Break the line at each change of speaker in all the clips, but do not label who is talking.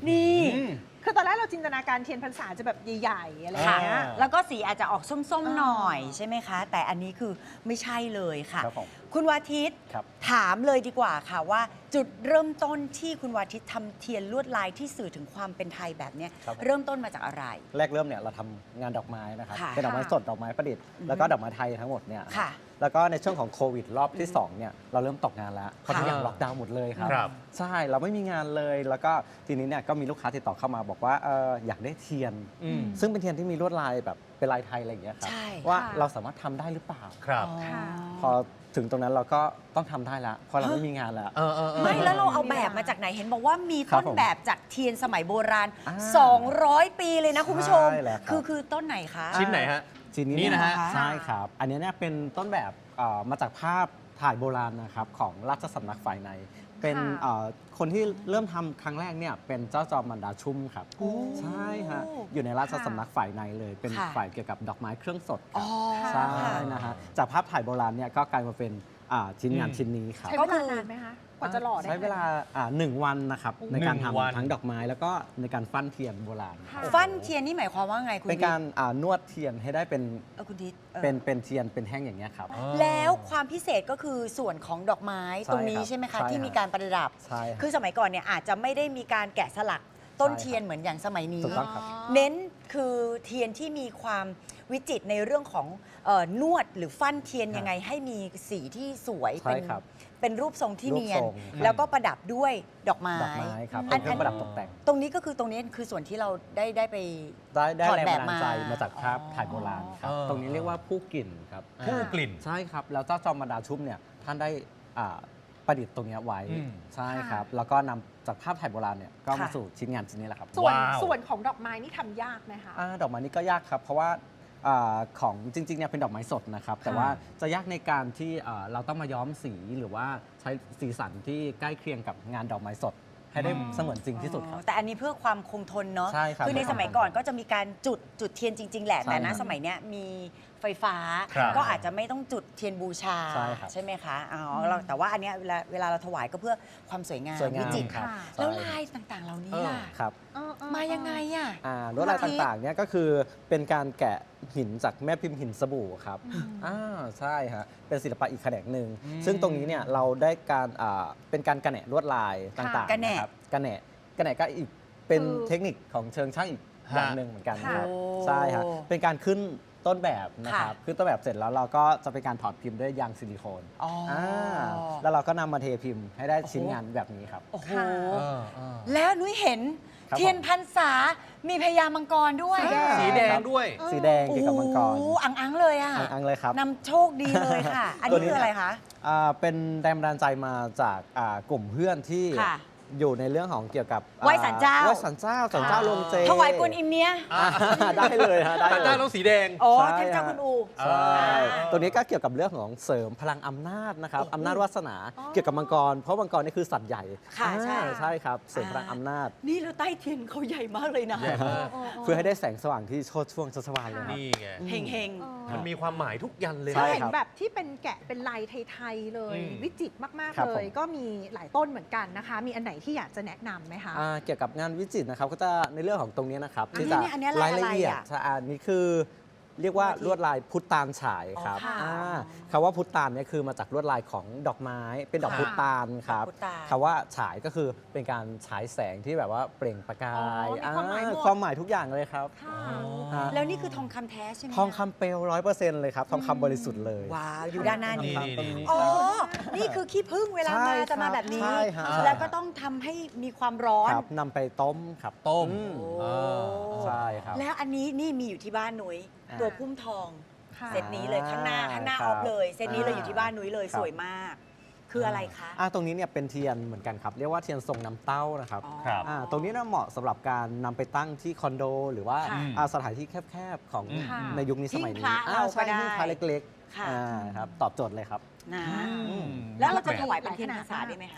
นี่
คือตอนแรกเราจินตนาการเทียนพรรษาจะแบบใหญ่ๆอะไรอย่างเงี้ย
แล้วก็สีอาจจะออกส้มๆหน่อยใช่ไหมคะ แต่อันนี้คือไม่ใช่เลยค่ะ
ครับผม
คุณวาทิต
ครับ
ถามเลยดีกว่าค่ะว่าจุดเริ่มต้นที่คุณวาทิตทำเทียนลวดลายที่สื่อถึงความเป็นไทยแบบเนี้ย
ครับผม
เริ่มต้นมาจากอะไร
แรกเริ่มเนี่ยเราทำงานดอกไม้นะครับ
ค่ะ
เป็นดอกไม้สดดอกไม้ประดิษฐ์แล้วก็ดอกไม้ไทยทั้งหมดเนี่ย
ค่ะ
แล้วก็ในช่วงของโควิดรอบที่2เนี่ยเราเริ่มตกงานแล้วเพราะทุกอย่างล็อกดาวน์หมดเลยครับ
ครับ
ใช่เราไม่มีงานเลยแล้วก็ทีนี้เนี่ยก็มีลูกค้าติดต่อเข้ามาบอกว่าอยากได้เทียน ซึ่งเป็นเทียนที่มีลวดลายแบบเป็นลายไทยอะไรอย่างเงี้ยครับ
ใช่
ว่า
ค่ะ
เราสามารถทำได้หรือเปล่า
ครับ
ค่ะ
พอถึงตรงนั้นเราก็ต้องทำได้แล้วเพราะเราไม่มีงานแล้ว
ไม่แล้วเราเอาแบบมาจากไหนเห็นบอกว่ามี
ครั
ต้
บ
น
ผม
แบบจากเทียนสมัยโบราณ
อ่า
200 ปีเลยนะคุณผู้ชม
ใช่แล้วครับ
คือต้นไหนคะ
ชิ้นไหนฮะ
ชิ้นนี้
นี่นะฮะ
ใช่ครับ อันนี้เนี่ยเป็นต้นแบบมาจากภาพถ่ายโบราณนะครับของราชสำนักฝ่ายใน เป็น
ค่ะ
คนที่เริ่มทำครั้งแรกเนี่ยเป็นเจ้าจอมมันดาชุ่มครับ
โอ้
ใช่ฮะอยู่ในราชสำนักฝ่ายในเลย เป็น
ค่ะ
ฝ่ายเกี่ยวกับดอกไม้เครื่องสดค
อ๋
รั
อบ
ใช่นะฮะจากภาพถ่ายโบราณเนี่ยก็กลายมาเป็นชิ้นงานชิ้นนี้ครับ
ใช้
ก็
เว
คื
ลา
อ
นานไหมคะกว่าจะหล่อได้
ใช้เวลา1 วันนะครับในการ
1 วัน
ทำทั้งดอกไม้แล้วก็ในการฟั่นเทียนโบราณ
ค่ะ
ฟันเทียนนี่หมายความว่าไงคุณ
เป็นการนวดเทียนให้ได้เป็น
คุณทิศ
เป็นเทียนเป็นแท่งอย่างเงี้ยครับ
แล้วความพิเศษก็คือส่วนของดอกไม้
ใช่
ตรงนี้
ครับ
ใช่ไหมคะ
ใช่
ที่
ครับ
มีการประดับ
ใช่ครับ
คือสมัยก่อนเนี่ยอาจจะไม่ได้มีการแกะสลักต้น
ใช่ครับ
เทียนเหมือนอย่างสมัยนี้
ถูกต้องครับ
เน้นคือเทียนที่มีความวิจิตรในเรื่องของนวดหรือฟั่นเทียนยังไงให้มีสีที่สวย
ใช่ครับ
เป็นรูปทรงที่
รูป
เนียน
ทรง
แล้วก็ประดับด้วยดอกไม้
ดอกไม้ครับ
อั
เป็น นเครื่องประดับตกแต่ง
ตรงนี้ก็คือตรงนี้คือส่วนที่เราได้ไป
ได้
ถอด
แรง
แบ
บั
บ
นดาลใจ
มา
มาจากภาพถ่ายโบราณครับ
อ๋อ
ตรงนี้เรียกว่าผู้กลิ่นครับ
ผู้กลิ่น
ใช่ครับ แล้วเจ้าจอมบรรดาชุ่มเนี่ยท่านได้ประดิษฐ์ตรงเนี้ยไว้
อืม
ใช่ครับ
ค่ะ
แล้วก็นำจากภาพถ่ายโบราณเนี่ยก็มา
ค่ะ
สู่ชิ้นงานชิ้นนี้แหละครับ
ส่วน
ว้าว
ส่วนของดอกไม้นี่ทำยากไหมคะ
ดอกไม้นี่ก็ยากครับ เพราะว่าของจริงๆเนี่ยเป็นดอกไม้สดนะครับ แต่ว่าจะยากในการที่เราต้องมาย้อมสีหรือว่าใช้สีสันที่ใกล้เคียงกับงานดอกไม้สด ให้ได้เสมือนจริงที่สุดครับ
แต่อันนี้เพื่อความคงทนเนาะ
ใช่ครับ
คือในสมัยก่อนก็จะมีการจุดเทียนจริง ๆ แหละ
ใช่
แต่นะครับ สมัยเนี้ยมีไฟฟ้า
ครับ
ก็อาจจะไม่ต้องจุดเทียนบูชา
ใช่ครับ
ไหมคะอ๋อเราแต่ว่าอันเนี้ยเวลาเราถวายก็เพื่อความสวยงาม
สวยงาม
วิจิตร
ครับ
ค่ะ
แล้ว
ใช่
ลายต่างๆ เหล่านี้
เออ
ล่ะ
ครับ
มายังไงอ่ะ
ลวดลายต่างๆเนี่ยก็คือเป็นการแกะหินจากแม่พิมพ์หินสบู่ครับใช่ฮะเป็นศิลปะอีกแขนงหนึ่งซึ่งตรงนี้เนี่ยเราได้การเป็นการกระแหนลวดลายต่าง
กระแหน่
ๆนะครับกระแหนก็อีกเป็น
คือ
เทคนิคของเชิงช่างอีกอย่างหนึ่งเหมือนกันนะครับ
โอ้
ใช่ฮะเป็นการขึ้นต้นแบบนะครับ
ค่ะ
ขึ้นต้นแบบเสร็จแล้วเราก็จะเป็นการถอดพิมพ์ด้วยยางซิลิโคน
อ๋ออ่
แล้วเราก็นำมาเทพิมพ์ให้ได้ชิ้นงานแบบนี้ครับ
โอ้โห
ค่ะ
แล้วนุ้ยเห็น
ครับ
เทียนพรรษามีพญามังกรด้วย
สีแดงด้วย
สีแดงเกี่ยวกับมังกร
โอ้โหอังๆเลยอ่ะ
อังๆเลยครับ
นำโชคดีเลยค่ะ อัน
ตัว
นี้
นี้
คืออะไรคะ
เป็นแรงบันดาลใจมาจากกลุ่มเพื่อนที่
ค่ะ
อยู่ในเรื่องของเกี่ยวกับ
ไหว้ศาลเจ้า
ไหว้ศาลเจ้าลงเจ
ถวายกวนอิมเนี้ย
ได้เลยฮะได้
แต่
เล
เจ้าย ต้องสีแดง
โอ้
ใช่
เทพเจ้าคุณอู
ใช่
อ่า
ตัวนี้ก็เกี่ยวกับเรื่องของเสริมพลังอำนาจนะครับอำนาจวาสนาเกี่ยวกับมังกร เพราะมังกรนี่คือสัตว์ใหญ่
ค่ะใช่
ใช่ครับเสริมพลังอำนาจ
นี่แล้วใต้เทียนเขาใหญ่มากเลยนะ
ใหญ่มาก
เพื่อให้ได้แสงสว่างที่โชดช่วงชัชวาลเลยครับ
นี่ไง
เฮงเฮง
มันมีความหมายทุกยันเลย
ใช่
นะ
เห็น
ครับ
แบบที่เป็นแกะเป็นลายไทยๆเลย
อืม
วิจิตรมาก
ครับ
ๆ เล
ผ
ย
ม
ก็มีหลายต้นเหมือนกันนะคะ มีอันไหนที่อยากจะแนะนำไหมคะ
เกี่ยวกับงานวิจิตรนะครับก็จะในเรื่องของตรงนี้นะครับ
อันนี้
ที่จะ
เนี่ยอันนี้ลายอะไร
ละเอียด
อ่ะ
ใช่อันนี้คือเรียกว่าลวดลายพุทธานฉายครับ
อ๋อค่ะ
คำว่าพุทธานเนี่ยคือมาจากลวดลายของดอกไม้ เป็นดอก
ค่ะ
พุทธานครับ
พุทธาน
คำว่าฉายก็คือเป็นการฉายแสงที่แบบว่าเปล่งประกาย
อ๋อมีความหมายหมด
ความหมายทุกอย่างเลยครับ
ค่ะ
ฮะ
แล้วนี่คือทองคำแท้ใช่ไหม
ทองคำเปลว100%เลยครับทองคำบริสุทธิ์เลย
ว้าวอยู่ด้านหน้านี้
นี่
ตรงนี้
อ๋อ นี่คือขี้ผึ้งเวลา
ใช่
มาจะมา
ครับ
แบบนี้
ใช่ฮะ
แล้วก็ต้องทำให้มีความร้อน
ครับนำไปต้มครับ
ต้ม
อื
โอ้
ใช่ครับ
แล้วอันนี้นี่มีอยู่ที่บ้านนุ้ย
อ่า
ตัวพุ่มทอง
ค่ะ
เซตนี้เลยข้างหน้า
ค
อ
รั
อบ ฟเลยเซตนี้เลยอยู่ที่บ้านนุ้ยเลย
ครับ
สวยมาก คืออะไรคะ
ตรงนี้เนี่ยเป็นเทียนเหมือนกันครับ เรียกว่าเทียนทรงน้ำเต้านะครับ
อ๋อ
ครับ
ตรงนี้น่าเหมาะสำหรับการนำไปตั้งที่คอนโด หรือว่า
ค่ะ
สถานที่แคบๆของ
ค่ะ
ในยุคนี้สมัย
หิ้
นี้
งพระเราก็
ใช่
ได้
หิ้งพระเล็ก
ค่ะ
ครับตอบโจทย์เลยครับ
นะ
อืม
แล้วเราจะถวายเป็นเทียนพรรษาได้ไหมคะ
ถ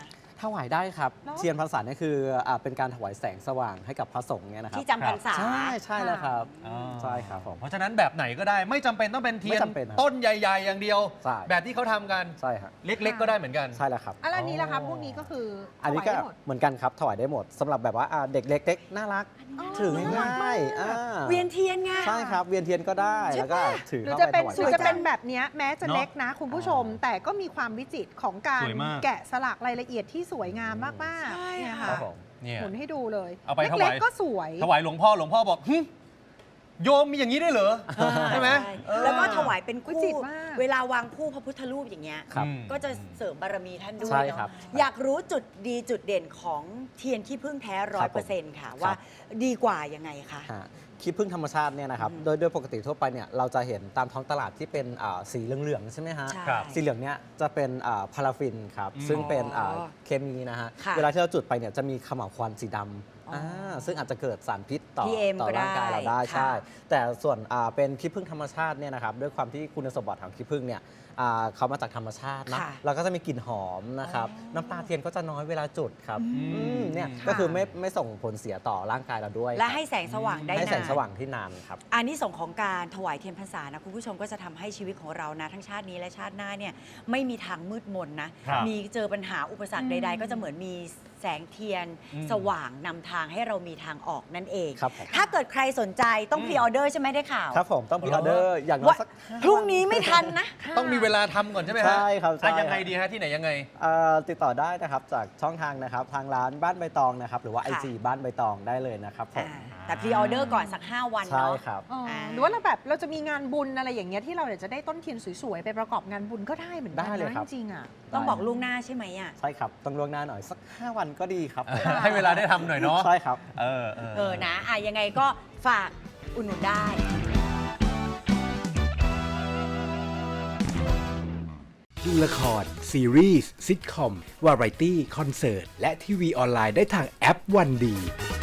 ถวายได้ครับ
เนอะ
เทียนพรรษาเนี่ยคือเป็นการถวายแสงสว่างให้กับพระสงฆ์เนี่ยนะครับ
ที่จำพรรษา
ใช่แล้วครับ
อ่า
ใช่ครับผม
เพราะฉะนั้นแบบไหนก็ได้ไม่จำเป็นต้องเป็นเทียน
ไม่จำเป็นครับ
ต้นใหญ่ ๆ อย่างเดียว
ใช่
แบบที่เขาทำกัน
ใช่ครับ
เล็ก ๆ ก็ได้เหมือนกัน
ใช่แล้วครับ
อะไรนี้ล่ะครับพวกนี้ก็คือ
อันนี้
ถวาย
ก็
ได้หมด
เหมือนกันครับถวายได้หมดสำหรับแบบว่าเด็กเล็กๆน่ารัก
อ๋อ
ถือง่ายๆ
เวียนเทียนไง
ใช่ครับเวียนเทียนก็ได้
ใช่ปะ
แล้วก็ถือ
หรือ
เข้า
จะ
ไป
เป็น
ถวาย
หรือจะ
ได้
เป็นแบบเนี้ยแม้จะ
เนอะ
เล็กนะคุณผู้ชม แต่ก็มีความวิจิตรของการ
สวยมาก
แกะสลักรายละเอียดที่สวยงามมากๆ
ใช่
เนี่ย
ค่ะ
ค่ะ
ครับผม
เนี่ย
หมุนให้ดูเลย
เอาไปถวาย
เล็กๆก็สวย
ถวายหลวงพ่อบอกหึโยมมีอย่างนี้ได้วยเหรอ ใช่ไหมเออ
แล้วก็ถวายเป็น
วิ
คู่
จิตรมาก
เวลาวางคู่พระพุทธรูปอย่างเงี้ย
ครับ
ก็จะเสริมบารมีท่านด้วย
ใช่
เนาะ
ครับ
อยากรู้จุดดีจุดเด่นของเทียนขี้ผึ้งแท้ 100%ค่ะ ว่าดีกว่ายังไงคะ
ฮะขี้ผึ้งธรรมชาติเนี่ยนะครับ
อืม
โดยปกติทั่วไปเนี่ยเราจะเห็นตามท้องตลาดที่เป็นสีเหลืองๆใช่ไหมฮะ
ใช่
ครับ
สีเหลืองเนี่ยจะเป็นพาราฟินครับ
อืม
ซึ่งเป็น
อ๋อ
เคมีนะฮะ
ค่ะ
เวลาที่เราจุดไปเนี่ยจะมีเขม่าวควันสีดำ
อ๋ออ่
ซึ่งอาจจะเกิดสารพิษต่อ
PM
ต่อ
ก็ได้
ร่างกายเราได้
ค่ะ
ใช่ แต่ส่วนเป็นขี้ผึ้งธรรมชาติเนี่ยนะครับด้วยความที่คุณสมบัติของขี้ผึ้งเนี่ยเขามาจากธรรมชาตินะ
ค่ะ
แล้วก็จะมีกลิ่นหอมนะครับ
อ๋อ
น้ำตาเทียนก็จะน้อยเวลาจุดครับ
อืม
เนี่ย
ค่ะ
ก็คือไม่ส่งผลเสียต่อร่างกายเราด้วย
และ
ครับ
ให้แสงสว่างได้
ให้
นาน
แสงสว่างที่นานครับ
อันนี้ส่งส์ของการถวายเทียนพรรษานะคุณผู้ชมก็จะทำให้ชีวิตของเรานะทั้งชาตินี้และชาติหน้าเนี่ยไม่มีทางมืดมนนะ
ครับ
มีเจอปัญหาอุปสรรค
อืม
ใด ๆ ก็จะเหมือนมีแสงเทียน
อืม
สว่างนำทางให้เรามีทางออกนั่นเอง
ครับผม
ถ้าเกิดใครสนใจต้องพรีออเดอร์ใช่ไหมได้ข่าว
ครับผมต้องพิออเดอร์อย่างน้อย
ว่า
สัก5
พรุ่งนี้ไม่ทันนะ
ต้องมีเวลาทำก่อนใช่ไหมฮะ
ใช่ครับใช่
ยังไงดีฮะที่ไหนยังไง
ติดต่อได้นะครับจากช่องทางนะครับทางร้านบ้านใบตองนะครับหรือว่า
ค่ะ
IG บ้านใบตองได้เลยนะครับผม
แต่พรีออเดอร์ก่อนสัก 5 วัน
ใช่
เนาะ
ครับ
อ๋อหรือว่าเราแบบเราจะมีงานบุญอะไรอย่างเงี้ยที่เราอยากจะได้ต้นเทียนสวยๆ ไปประกอบงานบุญก็ได้เหมือนกัน
ได้เลย
นะครับ จริงๆอ่ะ
ต้องบอกล่วงหน้าใช่ไหมอ่ะ
ใช่ครับต้องล่วงหน้าหน่อยสัก 5 วันก็ดีครับผม
ให้เวลาได้ทำหน่อยเนาะ
ใช่ครับ
เออนะยังไงก็ฝากอุดหนุนได้
ดูละคร ซีรีส์ซิทคอม วาไรตี้ คอนเสิร์ต และทีวีออนไลน์ได้ทางแอปวันดี